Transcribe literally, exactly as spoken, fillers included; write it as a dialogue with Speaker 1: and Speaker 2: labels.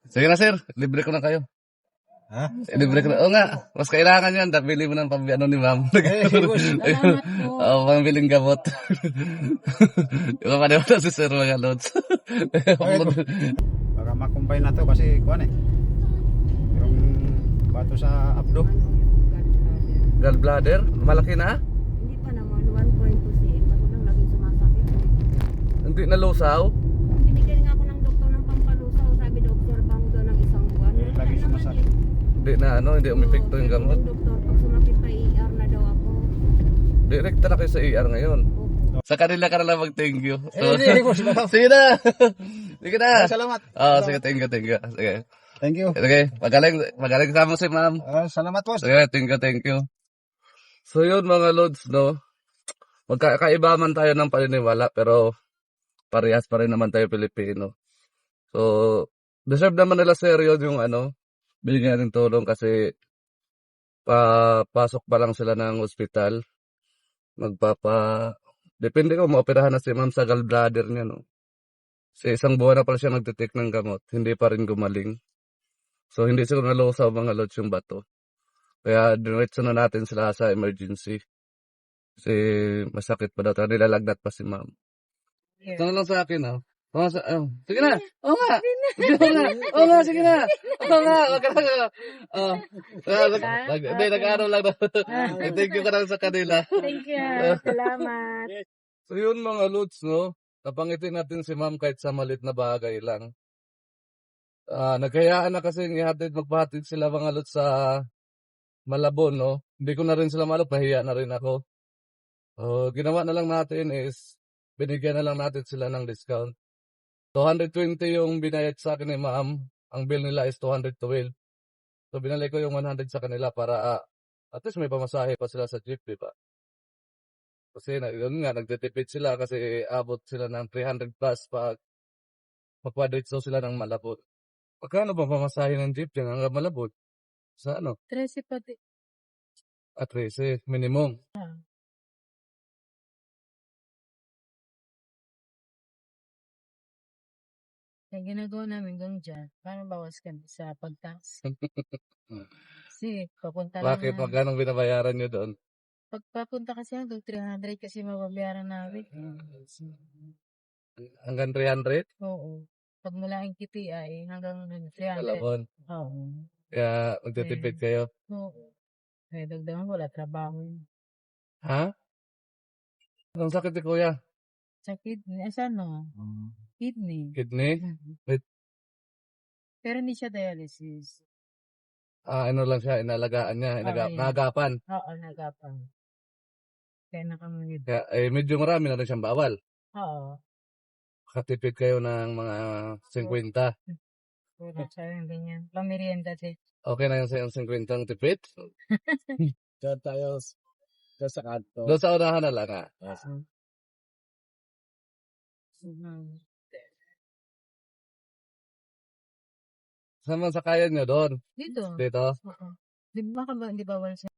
Speaker 1: Sige na, sir. Libre ko na kayo.
Speaker 2: Ha?
Speaker 1: Libre ko na. Oo nga. Mas kailangan yan. Bili mo ng pambi ano ni ma'am.
Speaker 2: Eh, boss.
Speaker 3: Salamat po.
Speaker 1: Oo, pambiling gamot. Yung mga paniwala si sir mga lods.
Speaker 2: Baka makumbay na to kasi kuan eh. Yung bato sa abdo.
Speaker 1: Gallbladder? Malaki na?
Speaker 3: Hindi pa naman, one point two cm. Ako lang laging sumasakit.
Speaker 1: Hindi na lusaw?
Speaker 3: Binigyan nga ako ng doktor ng pampalusaw. Sabi doktor, bang daw ng isang buwan.
Speaker 2: Eh, lagi
Speaker 3: Wala naman
Speaker 2: sumasakit.
Speaker 3: eh.
Speaker 1: Hindi na ano, hindi umepekto yung
Speaker 3: Oo,
Speaker 1: gamot.
Speaker 3: yung doktor, pag sumakit pa I R na daw ako.
Speaker 1: Direkta na kayo sa E R ngayon.
Speaker 3: Opo.
Speaker 1: Sa kanila ka na lang mag-thank you.
Speaker 2: Eh, hindi, boss.
Speaker 1: Sige na! Sige na!
Speaker 2: Ah, salamat.
Speaker 1: Oo, sige, thank you, thank you. Sige.
Speaker 2: Thank you.
Speaker 1: Sige, magaling, magaling sa mo si ma'am.
Speaker 2: Ah, salamat, boss.
Speaker 1: Sige, thank you, thank you. So yun mga lods, no? Magkakaiba man tayo ng paniniwala, pero parehas pa rin naman tayo Pilipino. So, deserve naman nila seryo yung ano, bigyan ng tulong kasi papasok pa lang sila ng ospital. Magpapa... Depende ko, maoperahan na si ma'am sa gallbladder niya, no? Sa isang buwan na pala siya nagtitik ng gamot, hindi pa rin gumaling. So, hindi siguro nalusaw mga lods yung bato. Kaya, diretso na natin sila sa emergency. Kasi, masakit pa daw. Kaya nilalagnat pa si ma'am. Ito na lang sa akin, ah. Oh, sa, oh. Sige na! Oo nga! Oo nga! Oo nga, sige na! Oo nga! Wag ka na! Oh. Hindi, nag-aaral lang na. Thank you ka lang sa kanila.
Speaker 3: Thank you. Salamat.
Speaker 1: So yun mga lods, no? Napangitin natin si ma'am kahit sa malit na bagay lang. Ah, nagkayaan na kasi ihatid, magpahatid sila mga lods sa Malabon, no? Hindi ko na rin sila malap, nahiya na rin ako. Oh, ginawa na lang natin is, binigyan na lang natin sila ng discount. two hundred twenty yung binayad sa akin ni ma'am. Ang bill nila is two hundred twelve. So binalik ko yung one hundred sa kanila para ah, at least may pamasahe pa sila sa jeep, di ba? Kasi na, yun nga, nagtitipid sila kasi abot sila ng three hundred plus pag magkwadritso sila ng Malabon. Pagkano ba pamasahe ng jeep dyan hanggang Malabon? Sa ano?
Speaker 3: Tracy pati.
Speaker 1: At least, minimum.
Speaker 4: Kaya ginagawa namin hanggang dyan, para bawas kami sa pag-tax. Kasi papunta lang
Speaker 1: Bakit?
Speaker 4: na,
Speaker 1: Magkano binabayaran nyo doon?
Speaker 4: pag papunta kasi hanggang three hundred kasi mababayaran namin.
Speaker 1: Hanggang three hundred?
Speaker 4: Oo. Pag mula ang K P I hanggang three hundred.
Speaker 1: Malabon.
Speaker 4: Oo.
Speaker 1: Kaya magtitipid kayo.
Speaker 4: Oo. Kaya dagdagan wala trabaho.
Speaker 1: Ha? Anong sakit ni kuya?
Speaker 4: Sa kidney, asa no? Kidney.
Speaker 1: Kidney?
Speaker 4: Mhm.
Speaker 1: Wait.
Speaker 4: Pero hindi siya dialysis.
Speaker 1: Ah, ano lang siya, inalagaan niya, inaga-
Speaker 4: Oo, yun.
Speaker 1: nagapan.
Speaker 4: Oo, nagapang. Kaya nakamunid.
Speaker 1: Kaya, eh, medyo marami na rin siyang bawal.
Speaker 4: Oo.
Speaker 1: Katipid kayo ng mga fifty.
Speaker 4: Puro sa yung ganyan. Pamerienda din.
Speaker 1: Okay na yung sa yung fifty ang tipid?
Speaker 2: Diyan tayo diyan sa kanto.
Speaker 1: Doon sa unahan na lang, ah.
Speaker 4: Mhm.
Speaker 1: Saan man sa kaya nyo doon?
Speaker 4: Dito.
Speaker 1: Dito?
Speaker 4: Oo. Di ba ka ba, hindi bawal sa